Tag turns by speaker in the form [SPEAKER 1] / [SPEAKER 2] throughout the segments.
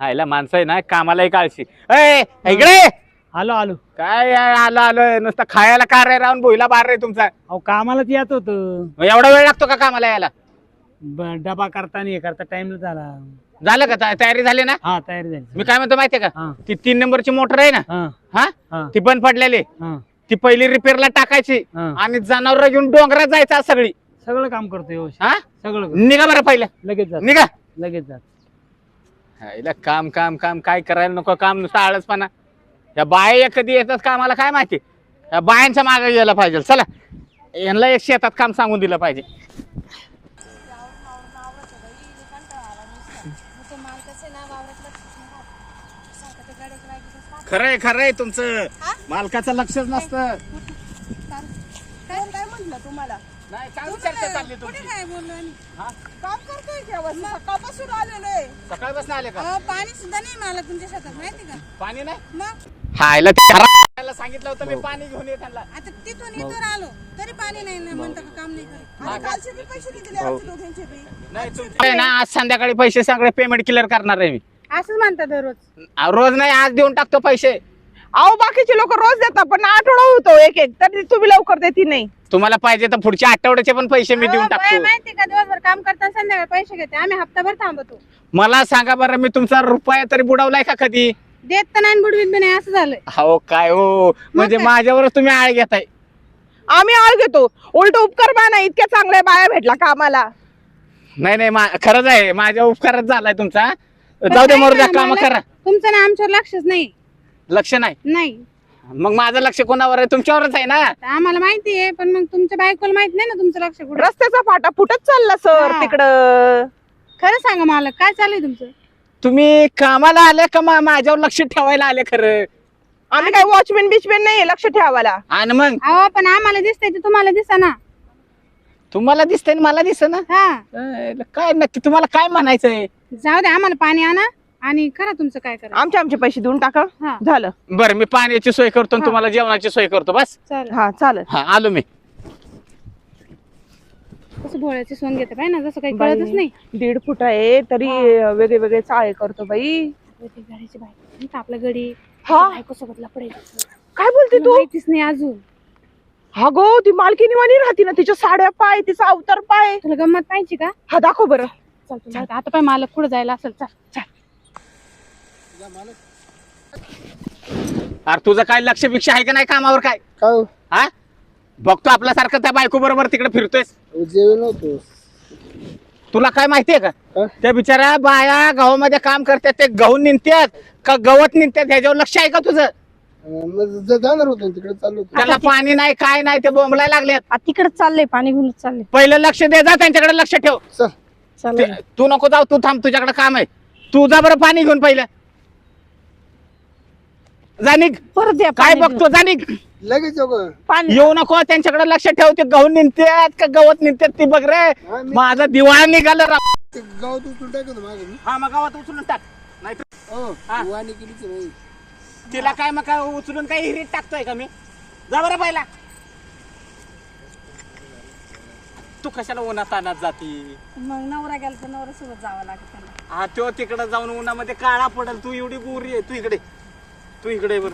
[SPEAKER 1] आयला माणसं आहे ना कामाला काळशी. ए इकडे
[SPEAKER 2] आलो आलो.
[SPEAKER 1] काय आलं आलं नुसतं खायला का रे राहून भुईला बार रे तुमचा.
[SPEAKER 2] अहो कामालाच येत होत.
[SPEAKER 1] एवढा वेळ लागतो का कामाला यायला?
[SPEAKER 2] डबा करता नाही करता टाइम झाला.
[SPEAKER 1] झालं का तयारी झाली ना?
[SPEAKER 2] हा तयारी झाली.
[SPEAKER 1] मी काय म्हणतो माहितीये का
[SPEAKER 2] हा.
[SPEAKER 1] ती 3 नंबरची मोटर आहे ना
[SPEAKER 2] हा
[SPEAKER 1] हा
[SPEAKER 2] हा
[SPEAKER 1] ती बंद पडलेली
[SPEAKER 2] हा
[SPEAKER 1] ती पहिली रिपेअरला टाकायची
[SPEAKER 2] हा.
[SPEAKER 1] आणि जनावर घेऊन डोंगरात जायचं सगळी.
[SPEAKER 2] सगळं काम करतो व्यवस्थित.
[SPEAKER 1] हा
[SPEAKER 2] सगळं करतो.
[SPEAKER 1] निघा बरं पहिलं
[SPEAKER 2] लगेच जात
[SPEAKER 1] निघा.
[SPEAKER 2] लगेच जात.
[SPEAKER 1] हायला काम काम काम काय करायला नको काम नुसतं आळसपणा. या बाया कधी येतात कामाला काय माहिती. या बायांच्या मागे गेला पाहिजे. चला यांना एक शेतात काम सांगून दिलं पाहिजे. खरंय खरंय तुमचं मालकाचं लक्षच नसतं.
[SPEAKER 3] काय म्हटलं तुम्हाला?
[SPEAKER 1] नाही काय चर्चा चालली तुमची?
[SPEAKER 3] काय बोललो
[SPEAKER 1] हा?
[SPEAKER 3] काम करतोय जेव्हा सकाळपासून आलेलो आहे.
[SPEAKER 1] सकाळपासून आले का?
[SPEAKER 3] पाणी सुद्धा नाही मला तुमच्या शेतात माहिती का?
[SPEAKER 1] पाणी नाही.
[SPEAKER 3] मग
[SPEAKER 1] हायला त्याला सांगितलं होतं मी पाणी घेऊन ये त्यांना.
[SPEAKER 3] आता तिथून इथवर आलो तरी पाणी नाही म्हणता का काम नाही करत. आणि कालचे बी पैसे नाही दिले आमच्या दोघांचे बी.
[SPEAKER 1] नाही तुमचे ना आज संध्याकाळी पैसे सगळे पेमेंट क्लिअर करणार आहे मी.
[SPEAKER 3] असंच म्हणतात दररोज.
[SPEAKER 1] रोज नाही आज देऊन टाकतो पैसे.
[SPEAKER 4] अहो बाकीचे लोक रोज देतात पण आठवडा होतो एक एक तरी तुम्ही लवकर देती नाही.
[SPEAKER 1] तुम्हाला पाहिजे तर पुढच्या आठवड्याचे पण पैसे मी देऊन टाकतो.
[SPEAKER 3] माहिती का दिवसभर काम करताना संध्याकाळी पैसे घेते आम्ही हप्ताभर थांबतो.
[SPEAKER 1] मला सांगा बरं मी तुमचा रुपया तरी बुडवलाय का कधी?
[SPEAKER 3] देत तर नाही बुडवीत बी नाही असं झालंय.
[SPEAKER 1] हो काय हो म्हणजे माझ्यावरच तुम्ही आळ घेताय.
[SPEAKER 4] आम्ही आळ घेतो उलट उपकार माना इतक्या चांगल्या बाया भेटला कामाला.
[SPEAKER 1] नाही नाही खरंच आहे माझ्या उपकारच झालाय तुमचा. जाऊ दे मरू द्या काम करा.
[SPEAKER 3] तुमचं ना आमच्यावर लक्षच नाही.
[SPEAKER 1] लक्ष नाही
[SPEAKER 3] नाही
[SPEAKER 1] मग माझं लक्ष कोणावर आहे? तुमच्यावरच आहे ना.
[SPEAKER 3] आम्हाला माहिती आहे पण मग तुमच्या बायकोला माहित नाही ना तुमचं लक्ष कुठं.
[SPEAKER 4] रस्त्याचा फाटा फुटत चालला सर
[SPEAKER 3] हा.
[SPEAKER 4] तिकडं.
[SPEAKER 3] खरं सांगा मला काय चाललंय तुमचं?
[SPEAKER 1] तुम्ही कामाला आले का माझ्यावर लक्ष ठेवायला आले खरं?
[SPEAKER 4] आम्ही काय वॉचमॅन बिचमॅन नाही लक्ष ठेवायला.
[SPEAKER 1] आणि मग
[SPEAKER 3] अहो पण आम्हाला दिसतंय ते तुम्हाला दिसा ना.
[SPEAKER 1] तुम्हाला दिसतंय आणि मला दिसत ना.
[SPEAKER 3] हा
[SPEAKER 1] काय नक्की तुम्हाला काय म्हणायचंय?
[SPEAKER 3] जाऊ दे आम्हाला पाणी आणा आणि करा तुमचं काय करा.
[SPEAKER 4] आमचे पैसे देऊन टाका.
[SPEAKER 3] हा
[SPEAKER 4] झालं.
[SPEAKER 1] बरं मी पाण्याची सोय करतो आणि
[SPEAKER 3] हा.
[SPEAKER 1] तुम्हाला जेवणाची सोय करतो बस.
[SPEAKER 3] चालेल.
[SPEAKER 4] हा चालेल.
[SPEAKER 1] हा आलो मी.
[SPEAKER 3] कसं भोळ्याची सोन घेते पाहिजे ना जसं काही कळतच नाही.
[SPEAKER 4] 1.5 फूट आहे तरी वेगळे वेगळे चाळे करतो बाई.
[SPEAKER 3] ती घराची बायको आपल्या गडी
[SPEAKER 4] हा
[SPEAKER 3] बायको सोबत लपडायचं
[SPEAKER 4] काय बोलते तू?
[SPEAKER 3] माहितीच नाही अजून.
[SPEAKER 4] हा गो ती मालकीनी वाणी राहते ना तिच्या साड्या पाय तिचा अवतार पाय.
[SPEAKER 3] तुला गंमत पाहिजे का?
[SPEAKER 4] हा दाखव बरं.
[SPEAKER 3] चल तुला आता पाय मालक पुढे जायला असेल. चल चल.
[SPEAKER 1] अरे तुझं काय लक्ष भिक्षा आहे का नाही कामावर काय? हा बघतो आपल्यासारखं त्या बायको बरोबर तिकडे फिरतोय.
[SPEAKER 5] जेवण होतो.
[SPEAKER 1] तुला काय माहितीये का
[SPEAKER 5] हा?
[SPEAKER 1] त्या बिचाऱ्या बाया गव्हामध्ये काम करतात ते गहू निघतात का गवत निघतात ह्याच्यावर लक्ष आहे का तुझं?
[SPEAKER 5] मग जाणार होतो तिकडे चाललो होतो.
[SPEAKER 1] त्याला पाणी नाही काय नाही ते बोंबलाय लागलेत.
[SPEAKER 4] तिकडे चाललंय पाणी घेऊन चालले.
[SPEAKER 1] पहिलं लक्ष दे जा त्यांच्याकडे लक्ष ठेव.
[SPEAKER 5] चल
[SPEAKER 1] तू नको जाऊ तू थांब तुझ्याकडे काम आहे. तू जा बरं पाणी घेऊन पहिलं. जा निघ.
[SPEAKER 4] परत द्या
[SPEAKER 1] काय
[SPEAKER 4] पाणी
[SPEAKER 1] बघतो जा निघ.
[SPEAKER 5] लगेच येऊ का?
[SPEAKER 4] पाणी.
[SPEAKER 1] येऊ नको त्यांच्याकडे लक्ष ठेव. ते गहू निघतात का गवत निघतात ती बघ रे.
[SPEAKER 5] हा, मी-
[SPEAKER 1] माझा दिवाळा निघालं राव.
[SPEAKER 5] ते गावात उचलून टाकतो मागे मी.
[SPEAKER 1] हा मग गावात उचलून टाक. नाही
[SPEAKER 5] हो
[SPEAKER 1] हा.
[SPEAKER 5] वाणी केलीच नाही.
[SPEAKER 1] तिला काय मग काय उचलून काही हिरीत टाकतोय का मी? जा बरं पहिला. तू कशाला उन्हात आणत जाती?
[SPEAKER 3] मग नवरा गेला तर नवरा सोबत जावं लागत त्याला.
[SPEAKER 1] हा तो तिकडे जाऊन उन्हामध्ये काळा पडल. तू एवढी गोरी आहे. तू इकडे बर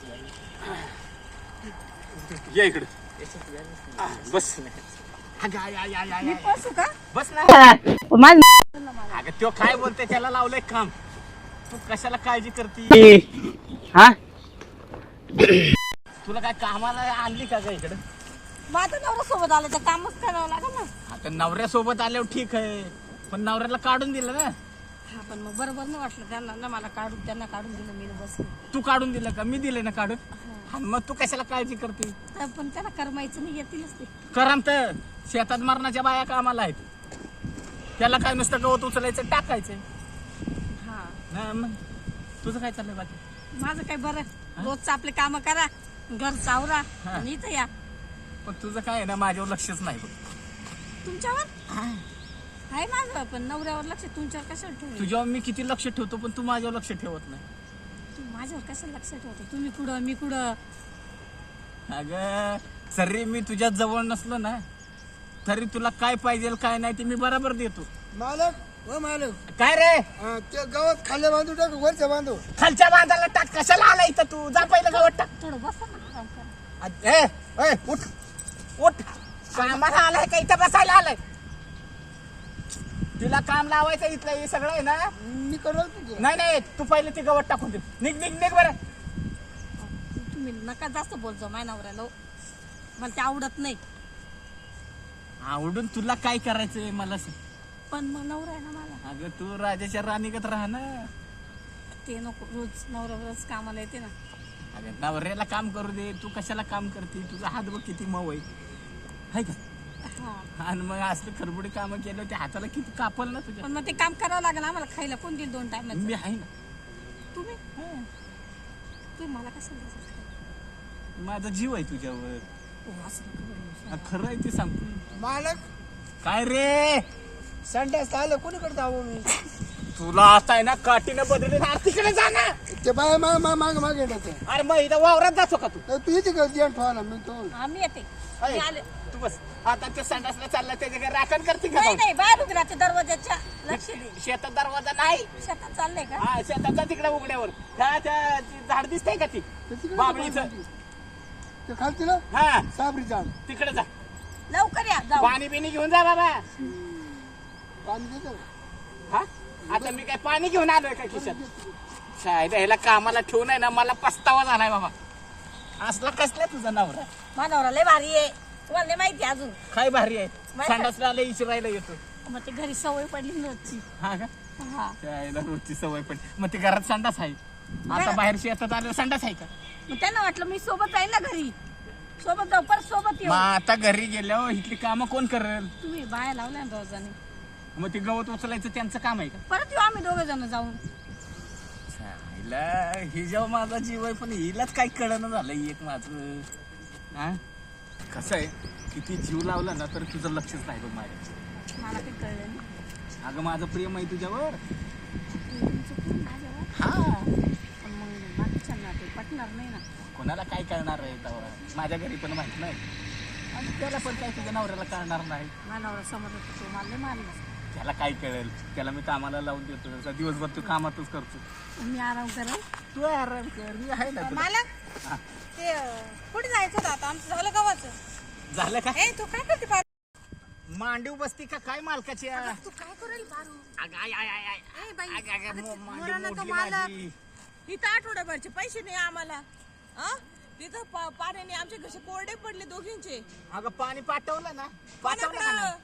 [SPEAKER 1] ये इकडे. हा, बस अगं, या.
[SPEAKER 3] बसू का?
[SPEAKER 1] बस ना.
[SPEAKER 4] माझं
[SPEAKER 1] अगं तो काय बोलते त्याला लावलंय काम. तू कशाला काळजी करते? हा तुला काय कामाला आणली का इकडे?
[SPEAKER 3] माझा नवरा सोबत आला तर कामच करावं लागेल ना.
[SPEAKER 1] आता नवऱ्यासोबत आल्यावर ठीक आहे पण नवऱ्याला काढून दिलं ना.
[SPEAKER 3] हा पण मग बरोबर नाही वाटलं त्यांना ना मला त्यांना काढून दिलं मी बस.
[SPEAKER 1] तू काढून दिलं का? मी दिले ना काढून. हा, मग तू कशाला काळजी करते?
[SPEAKER 3] पण त्यांना करमायचं नाही येतीलच ते.
[SPEAKER 1] करम तर शेतात मरणाच्या बाया कामाला आहेत. त्याला काय नुसतं गवत उचलायचं टाकायचं.
[SPEAKER 3] हा
[SPEAKER 1] हा, मग तुझं काय चाललंय बाकी?
[SPEAKER 3] माझं काय बरं रोजचं आपले काम करा घर चावरा आणि इथं या.
[SPEAKER 1] पण तुझं काय आहे ना माझ्यावर लक्षच नाही बघ.
[SPEAKER 3] तुमच्यावर आहे माझं पण नवऱ्यावर लक्ष तुमच्यावर कशाला ठेवलं?
[SPEAKER 1] तुझ्यावर मी किती लक्ष ठेवतो पण तू माझ्यावर लक्ष ठेवत नाही.
[SPEAKER 3] तू माझ्यावर कशाला लक्ष ठेवतो? तुम्ही कुठं मी कुठं?
[SPEAKER 1] अगं जरी मी तुझ्या जवळ नसलो ना तरी तुला काय पाहिजे काय नाही ते मी बरोबर देतो.
[SPEAKER 5] मालक हो मालू
[SPEAKER 1] काय रे
[SPEAKER 5] ते गावात खाल्ल्या बांधू टाक वरच्या बांधू
[SPEAKER 1] खालच्या बांधाला टाक. कशाला आला इथं तू? जा पहिलं गावात टाक.
[SPEAKER 3] थोडं बसा ना आराम करा.
[SPEAKER 1] ए उठ उठ. कामाला आलाय का इथं बसायला आलाय? तिला काम लावायचं इथलं हे सगळं आहे ना.
[SPEAKER 5] मी करणार तुझं
[SPEAKER 1] नाही तू पहिले ती गवत टाकून दे. निघ बरं.
[SPEAKER 3] तुम्ही नका जास्त बोलतो माझ्या नवऱ्याला हो. मला ते आवडत नाही.
[SPEAKER 1] आवडून तुला काय करायचंय मला सांग.
[SPEAKER 3] पण मग नवरा आहे ना मला.
[SPEAKER 1] अगं तू राजाच्या राणीगत राहा ना.
[SPEAKER 3] ते नको. रोज नवरा रोज कामाला येते ना.
[SPEAKER 1] अगं नवऱ्याला काम करू दे. तू कशाला काम करते? तुझा हात बघ किती मऊ आहे का?
[SPEAKER 3] हा
[SPEAKER 1] आणि मग असलं खरबुडी कामं केलं ते हाताला किती कापल ना तुझ्या.
[SPEAKER 3] पण मग ते काम करावं लागेल आम्हाला. खायला कोण देईल 2 टाइम?
[SPEAKER 1] मी आहे ना.
[SPEAKER 3] तुम्ही तुम्ही मला कसं द्यायचं?
[SPEAKER 1] माझा जीव आहे तुझ्यावर.
[SPEAKER 3] असं नका बोलू.
[SPEAKER 1] खरं आहे ते सांगतो.
[SPEAKER 5] मालक
[SPEAKER 1] काय रे
[SPEAKER 5] संडास आलं कोणीकडे जावं मी
[SPEAKER 1] तुला आता आहे ना काठीनं बदलली ना तिकडे जा ना.
[SPEAKER 5] ते बाय माग येतात
[SPEAKER 1] अरे मग इथं वावरात जातो का तू?
[SPEAKER 5] तू येते का जेवण ठेवायला मी तो
[SPEAKER 3] आम्ही येते.
[SPEAKER 1] अय,
[SPEAKER 3] मी आले.
[SPEAKER 1] तू बस. आता ते संडासला चालला त्याच्या घरी राखण करते का
[SPEAKER 3] नाही
[SPEAKER 1] जाऊन?
[SPEAKER 3] नाही बाहेर उभी राहते दरवाजाच्या. लक्ष दे.
[SPEAKER 1] शेतात दरवाजा नाही.
[SPEAKER 3] शेतात चाललंय का?
[SPEAKER 1] हा शेताचा तिकडे उघड्यावर त्या ती झाड दिसतंय का ती बाबळीचं?
[SPEAKER 5] ते खालती ना
[SPEAKER 1] हा
[SPEAKER 5] साबरी झाड
[SPEAKER 1] तिकडे जा.
[SPEAKER 3] लवकर या. जाऊ.
[SPEAKER 1] पाणी बिनी घेऊन जा बाबा.
[SPEAKER 5] पाणी देतो
[SPEAKER 1] हा आता मी काय पाणी घेऊन आलोय का खिशात? शायद ह्याला कामाला ठेवून आहे ना मला पस्तावा झालाय बाबा. असला कसला तुझा नवरा?
[SPEAKER 3] मानवरा लय भारी आहे. तुम्हाला नाही माहिती अजून.
[SPEAKER 1] काय भारी आहे.
[SPEAKER 3] माहिती-
[SPEAKER 1] संडासला आलं इचरायला येतो.
[SPEAKER 3] मग ते घरी सवय पडली नव्हती.
[SPEAKER 1] हा का?
[SPEAKER 3] हा
[SPEAKER 1] त्याला रोजची सवय पण. मग ते घरात संडास आहे. आता बाहेर शेतात आलं संडास आहे का?
[SPEAKER 3] मग त्यांना वाटलं मी सोबत जाईल ना घरी. सोबत जाऊ परत सोबत येऊ.
[SPEAKER 1] मग आता घरी गेल्यावर इथली कामं कोण करेल?
[SPEAKER 3] तुम्ही बाया लावल्या ना रोजाने.
[SPEAKER 1] मग ते गवत उचलायचं त्यांचं काम आहे का?
[SPEAKER 3] परत येऊ आम्ही 2 जण जाऊन.
[SPEAKER 1] हिला हि जेव्हा माझा जीव आहे पण हिलाच काही कळणं झालंय एक माझं. हा कसं आहे किती जीव लावला ना तर तुझं लक्षच नाही बघ माझ्या.
[SPEAKER 3] मला काही कळलं नाही.
[SPEAKER 1] अगं माझं प्रेम आहे तुझ्यावर.
[SPEAKER 3] तुमचं कोण माझ्यावर?
[SPEAKER 1] हा
[SPEAKER 3] पण मग बाकीच्यांना ते पटणार नाही ना.
[SPEAKER 1] कोणाला काय कळणार आहे तेव्हा? माझ्या घरी पण माहित नाही आणि त्याला पण काय तुझ्या नवऱ्याला कळणार नाही.
[SPEAKER 3] मानवरा समोर तो मला लय मारलं.
[SPEAKER 1] त्याला काय कळेल? त्याला मी कामाला लावून देतो. त्याचा दिवसभर तू कामातच करतो.
[SPEAKER 3] मी आराम करेल.
[SPEAKER 1] तू आराम कर. मी आहे ना तुला.
[SPEAKER 3] मालक
[SPEAKER 1] हा.
[SPEAKER 3] ते कुठे जायचं होतं आता? आमचं झालं गावाचं.
[SPEAKER 1] झालं का?
[SPEAKER 3] ए तू काय करते पारू?
[SPEAKER 1] मांडीव बसती का काय मालकाची?
[SPEAKER 3] तू काय करेल पारू?
[SPEAKER 1] अगं, आय, आय, आय, आय.
[SPEAKER 3] ए बाई,
[SPEAKER 1] अगं, अगं,
[SPEAKER 3] अगं,
[SPEAKER 1] मांडी
[SPEAKER 3] मोरानं तो
[SPEAKER 1] मोडली
[SPEAKER 3] मालक.
[SPEAKER 1] माझी.
[SPEAKER 6] इथं आठवड्याभरचे पैसे नाही आम्हाला. तिथं पाण्याने आमचे घसे कोरडे पडले दोघींचे.
[SPEAKER 1] अगं पाणी पाठवलं ना? पाठवलं का नाही?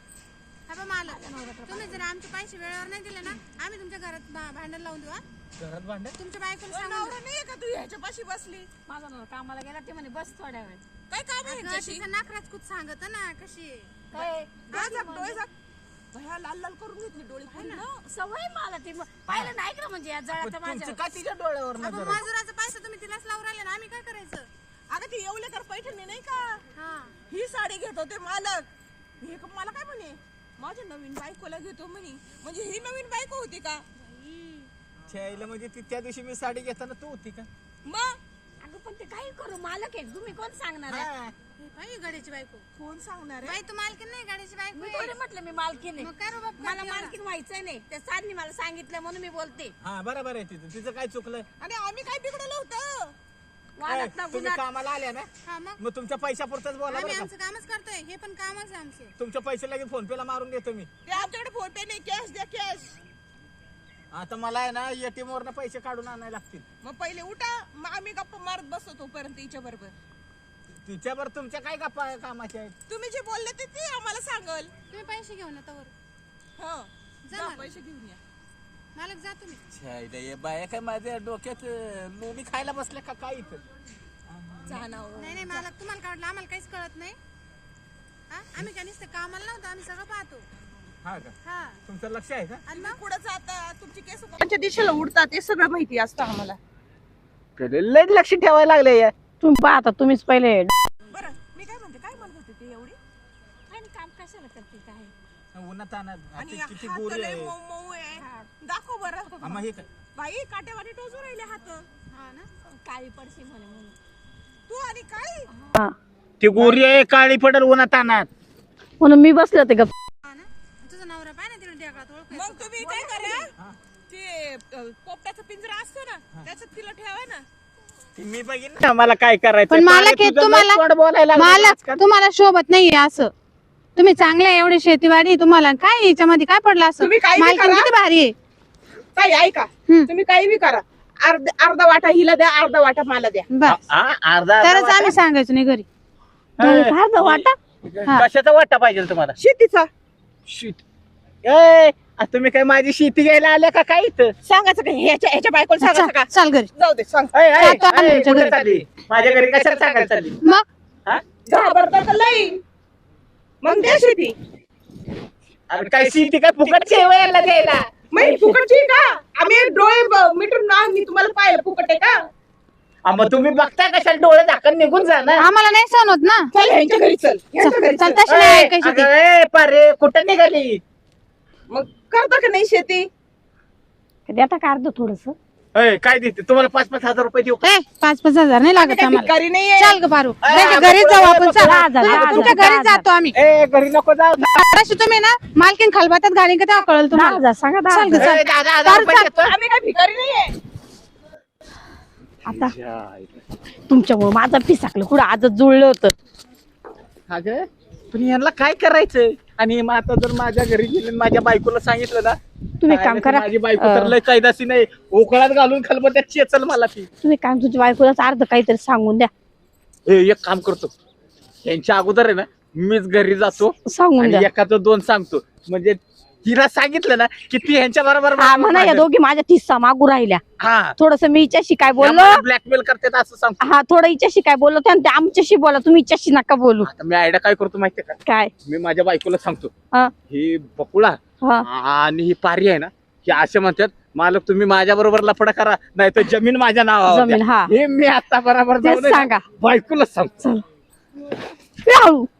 [SPEAKER 7] तुम्ही जर आमचे पैसे वेळेवर नाही दिले ना आम्ही तुमच्या घरात भांडण लावून देऊ.
[SPEAKER 1] घरात भांडण?
[SPEAKER 7] तुमच्या बायकोला
[SPEAKER 6] पण
[SPEAKER 7] सांगून
[SPEAKER 6] नवरा नाहीये का तू ह्याच्या पाशी बसली?
[SPEAKER 3] माझा नवरा कामाला गेला ते म्हणे बस थोड्या वेळ.
[SPEAKER 6] काय काम आहे
[SPEAKER 7] देऊ.
[SPEAKER 6] ह्याच्याशी?
[SPEAKER 7] तिचं नाकराच कुठ सांगत ना कशी आहे.
[SPEAKER 3] काय
[SPEAKER 6] डोळे झाक. भया लाल लाल करून घेतली डोळे पूर्ण.
[SPEAKER 3] सवय मला ती पाहिलं नाही का म्हणजे या जळाचं
[SPEAKER 1] तुमचं
[SPEAKER 3] माझ्या.
[SPEAKER 1] का तिच्या डोळ्यावर
[SPEAKER 7] आपण
[SPEAKER 1] नजर आहे?
[SPEAKER 7] मजुराचा पैसा तुम्ही तिलाच लावून राहिले ना आम्ही काय करायचं.
[SPEAKER 6] अगं ती येवले कर पैठणी नाही का?
[SPEAKER 7] हा
[SPEAKER 6] ही साडी घेत होते मालक. हे मला काय म्हणे माझ्या नवीन बायकोला घेतो म्हणे. म्हणजे ही नवीन बायको होती का?
[SPEAKER 1] छायला म्हणजे ती त्या दिवशी मी साडी घेताना तू होती का?
[SPEAKER 6] मग
[SPEAKER 3] अगं पण ते काही करू मालक आहे. तुम्ही कोण सांगणार आहे?
[SPEAKER 1] हा.
[SPEAKER 7] हे बाई गाडीची बायको.
[SPEAKER 6] कोण सांगणार आहे?
[SPEAKER 7] बाई तू मालकीन नाही गाडीची बायको
[SPEAKER 3] मी
[SPEAKER 7] आहे.
[SPEAKER 3] थोडे म्हटलं मी मालकीन आहे.
[SPEAKER 7] मग काय रे बाप
[SPEAKER 3] मला
[SPEAKER 7] करते एवढा?
[SPEAKER 3] मालकीन व्हायचंय नाही. त्या सारनी मला सांगितलं म्हणून मी बोलते.
[SPEAKER 1] हा बरोबर आहे तिचं. तिचं काय चुकलंय?
[SPEAKER 6] आणि आम्ही काय बिघडलं होतं?
[SPEAKER 3] वादात ना
[SPEAKER 1] तुम्ही
[SPEAKER 3] गुन्हा.
[SPEAKER 1] कामाला आल्या ना
[SPEAKER 7] हा मग
[SPEAKER 1] मग तुमच्या पैशापुरतच बोला
[SPEAKER 7] आम्ही
[SPEAKER 1] बरं का?
[SPEAKER 7] आमचं कामच करतोय. हे पण कामच आहे आमचं.
[SPEAKER 1] तुमच्या पैसे लगेच फोन पे ला मारून देतो मी.
[SPEAKER 6] ते आमच्याकडे फोन पे नाही. कॅश द्या कॅश.
[SPEAKER 1] आता मला आहे ना एटीएम वरनं पैसे काढून आणायला लागतील.
[SPEAKER 6] मग पहिले उठा. मग आम्ही गप्पा मारत बसतो तोपर्यंत हिच्या बरोबर.
[SPEAKER 1] तिच्यावर तुमच्या काय गप्पा कामाच्या आहेत?
[SPEAKER 6] तुम्ही जे बोलले ते आम्हाला सांगल.
[SPEAKER 7] तुम्ही पैसे घेऊन या तवर.
[SPEAKER 6] हो
[SPEAKER 7] जा
[SPEAKER 6] जा
[SPEAKER 7] मला.
[SPEAKER 6] पैसे घेऊन या.
[SPEAKER 7] मालक जा तुम्ही.
[SPEAKER 1] छायला हे बाया काय माझ्या डोक्यात लोणी खायला बसल्या का काय इथं?
[SPEAKER 6] जा ना हो.
[SPEAKER 7] नाही नाही मालक तुम्हाला काय वाटलं आम्हाला काहीच कळत नाही. हा आम्ही काय नुसतं कामाला नव्हतो आम्ही सगळं पाहतो.
[SPEAKER 1] हा का?
[SPEAKER 7] हा
[SPEAKER 1] तुमचं लक्ष आहे का?
[SPEAKER 6] आणि मग पुढे जाता तुमची केस
[SPEAKER 4] त्यांच्या दिशेला उडतात ते सगळं माहिती असतं आम्हाला.
[SPEAKER 1] लय लक्ष ठेवायला लागले.
[SPEAKER 3] तुम्ही पाहता तुम्हीच पहिले.
[SPEAKER 6] बरं मी काय म्हणते काय म्हणत होते ते एवढी?
[SPEAKER 3] आणि काम कशाला करते काय?
[SPEAKER 1] उन्हात आणत
[SPEAKER 6] आणि
[SPEAKER 1] किती
[SPEAKER 6] हात
[SPEAKER 1] गोरी
[SPEAKER 6] लय
[SPEAKER 1] आहे.
[SPEAKER 6] मऊ मऊ आहे. दाखव बरं.
[SPEAKER 1] हा, मग हे काय?
[SPEAKER 6] बाई काटेवाडी टोचू राहिले हात.
[SPEAKER 7] हा ना
[SPEAKER 3] काळी पडशी म्हणे म्हणून.
[SPEAKER 6] तू आणि काय
[SPEAKER 1] ती गोरी आहे काळी पडेल उन्हात आणत.
[SPEAKER 3] म्हणून मी बसले होते गप्प.
[SPEAKER 7] हा ना तुझा नवरा पाय ना तिला ढेकळात ओळख.
[SPEAKER 6] मग मग तुम्ही काय करा ते पोपटाचा पिंजरा असतो ना त्याच्यात तिला ठेवा ना.
[SPEAKER 1] मी बघितलं ना मला काय करायचं.
[SPEAKER 7] पण मालक हे मालक तुम्हाला शोभत नाहीये असं. तुम्ही चांगले एवढे शेतीवाडी तुम्हाला काय याच्यामध्ये काय पडलं असं.
[SPEAKER 4] तुम्ही काही बी
[SPEAKER 7] मालकीण
[SPEAKER 4] करा.
[SPEAKER 7] किती भारी आहे.
[SPEAKER 4] ताई ऐका तुम्ही काही बी करा, अर्धा वाटा हिला द्या, अर्धा वाटा मला द्या.
[SPEAKER 7] बस
[SPEAKER 1] अर्धा
[SPEAKER 7] तरच आम्ही सांगायचो नाही घरी.
[SPEAKER 4] अर्धा वाटा
[SPEAKER 1] कशाचा वाटा पाहिजे तुम्हाला?
[SPEAKER 4] शेतीचा
[SPEAKER 1] तुम्ही काय माझी शेती घ्यायला आल्या का काय इथं?
[SPEAKER 4] सांगायचं का ह्याच्या बायकोला सांगायचं का?
[SPEAKER 7] चाल घरी.
[SPEAKER 4] जाऊ दे सांग.
[SPEAKER 7] जातो आम्ही तुमच्या
[SPEAKER 1] कुठे
[SPEAKER 7] घरी.
[SPEAKER 1] चालली? माझ्या घरी कशाला सांगायला चालली?
[SPEAKER 7] मग
[SPEAKER 4] घाबरता का लई? मग द्या शेती.
[SPEAKER 1] अरे काय शेती काय फुकट यायला द्यायला?
[SPEAKER 4] मग फुकटची का? आम्ही डोळे मिटून ना मी तुम्हाला पाहिलं फुकट आहे का?
[SPEAKER 1] मग तुम्ही बघताय कशाला डोळे झाकण निघून जा ना.
[SPEAKER 7] आम्हाला नाही सहन होत ना.
[SPEAKER 4] चल ह्यांच्या घरी चल, ह्यांच्या घरी
[SPEAKER 7] चल
[SPEAKER 4] चल.
[SPEAKER 7] तशी नाही ऐकायची ती.
[SPEAKER 1] पारे कुठं निघाली?
[SPEAKER 4] मग करता का नाही शेती?
[SPEAKER 8] देता का अर्ध थोडस?
[SPEAKER 1] काय देते तुम्हाला 5-5 हजार रुपये देऊ?
[SPEAKER 7] 5-5 हजार नाही लागत
[SPEAKER 4] काही
[SPEAKER 7] आम्हाला.
[SPEAKER 4] भिकारी नाहीये.
[SPEAKER 7] चाल ग पारू. त्यांच्या घरी जाऊ आपण. चल तुमच्या घरी जातो आम्ही.
[SPEAKER 1] घरी नको जाऊ.
[SPEAKER 7] तशी तुम्ही ना मालकीन खालबातात घालीन का तेव्हा कळलं तुम्हाला.
[SPEAKER 8] सांगा
[SPEAKER 7] चाल ग चाल.
[SPEAKER 1] 10,000 रुपये देतो.
[SPEAKER 4] आम्ही काही भिकारी नाहीये.
[SPEAKER 8] आता तुमच्यामुळे माझं पिसाकलं कुठं आजच जुळलं होतं.
[SPEAKER 1] अगं पण यांना काय करायचं? आणि मग आता जर माझ्या घरी गेले आणि माझ्या बायकोला सांगितलं ना,
[SPEAKER 8] तुम्ही एक काम
[SPEAKER 1] काय
[SPEAKER 8] करा,
[SPEAKER 1] माझी बायको तर लय कायदाशी नाही, उकळात घालून खलबत्यात चेचल मला ती.
[SPEAKER 8] तुम्ही काम तुमच्या बायकोलाच अर्ध काहीतरी सांगून द्या.
[SPEAKER 1] एक काम करतो, यांच्या अगोदर आहे ना मीच घरी जातो
[SPEAKER 8] सांगून
[SPEAKER 1] आणि
[SPEAKER 8] द्या.
[SPEAKER 1] एकाचं 2 सांगतो. म्हणजे तिला सांगितलं ना की ती ह्यांच्या बरोबर
[SPEAKER 8] हा म्हणा या दोघी माझ्या ठिस्सा मागू राहिल्या.
[SPEAKER 1] हा
[SPEAKER 8] थोडस मी हिच्याशी काय बोललो,
[SPEAKER 1] ब्लॅकमेल करतात असं सांगतो.
[SPEAKER 8] हा थोडं हिच्याशी काय बोललो आणि ते आमच्याशी बोला, तुम्ही हिच्याशी नका बोलू.
[SPEAKER 1] आता मी आयडिया काय करतो माहितीये का?
[SPEAKER 8] काय?
[SPEAKER 1] मी माझ्या बायकोला सांगतो,
[SPEAKER 8] हा
[SPEAKER 1] ही बकुळा
[SPEAKER 8] हा
[SPEAKER 1] आणि ही पारी आहे ना, ही असे म्हणतात मालक तुम्ही माझ्या बरोबर लफडा करा, नाही तर जमीन माझ्या नावावर
[SPEAKER 8] जमीन,
[SPEAKER 1] द्या.
[SPEAKER 8] हा.
[SPEAKER 1] हे मी आता बरोबर
[SPEAKER 8] तेच सांगा.
[SPEAKER 1] बायकोला सांगतो.
[SPEAKER 8] ए, हळू